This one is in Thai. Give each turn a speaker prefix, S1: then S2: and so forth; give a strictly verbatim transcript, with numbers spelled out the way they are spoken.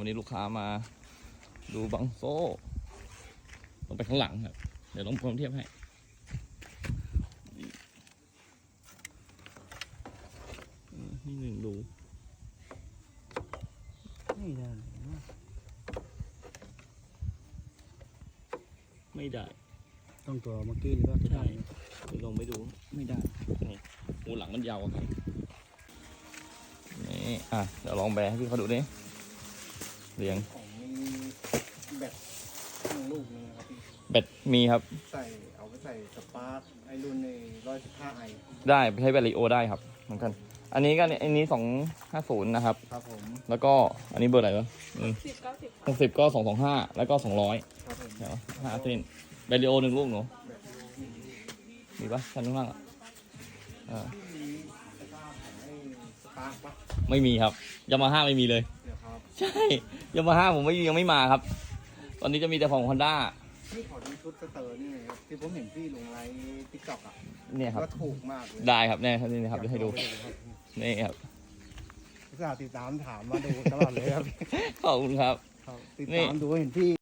S1: นี้ลูกค้ามาดูบังโซ่ลงไปข้างหลังครับเดี๋ยวลองพร้อมเทียบให้นี่หนึ่งดู
S2: ไม่ได้
S1: ไม่ได้
S2: ต้องตัวเมื่อกี้หรือว่าที่
S1: ใช่ไปลองไปดูไม่ได้นี่หูหลังมันยาวครับนี่อ่ะเดี๋ยวลองแบให้พี่เขาดูดิเรียง
S2: ของมีแบตหนึ่งลูกนึงครับพี่
S1: แบตมีครับ
S2: ใส่เอาไปใส่สปาร์คไอรุ่นในร้อยสิบห้าไอ
S1: ได้ใช้แบตลิโอได้ครับเหมือนกันอันนี้ก็อันนี้สองห้าศูนย์นะครับ
S2: ครับผม
S1: แล้วก็อันนี้เบอร์อะไรวะ
S3: สิบเก้าสิบ
S1: หกสิบก็สองสองห้าแล้วก็สองร้อย
S2: ครับผม
S1: เดี๋ยวห้าเส้นแบตลิโอหนึ่งลูกหนูมีปะชั้นข้างล่างอ่า
S2: สปาร์คของไอสปาร์คปะ
S1: ไม่มีครับยามาฮ่าไม่มีเลย
S2: เดี๋ยวครับ
S1: ใช่ยามาฮ่าผมไม่ยังไม่มาครับตอนนี้จะมีแต่ของฮอนด้า
S2: พี่ขอดูชุดสเตอร์นี่หน่อยครับที่ผมเห็นพี่ลงไลน์ติ๊กต็อกอ่ะ
S1: เนี่ยครับ
S2: ก็ถูกมากเลย
S1: ได้ครับแน่ครับนี่นะครับจะให้ดูนี่ครับ
S2: อุตส่าห์ติดตามถามมาดูตลอดเลยครับ
S1: ขอบคุณครับ
S2: ติดตามดูเห็นพี่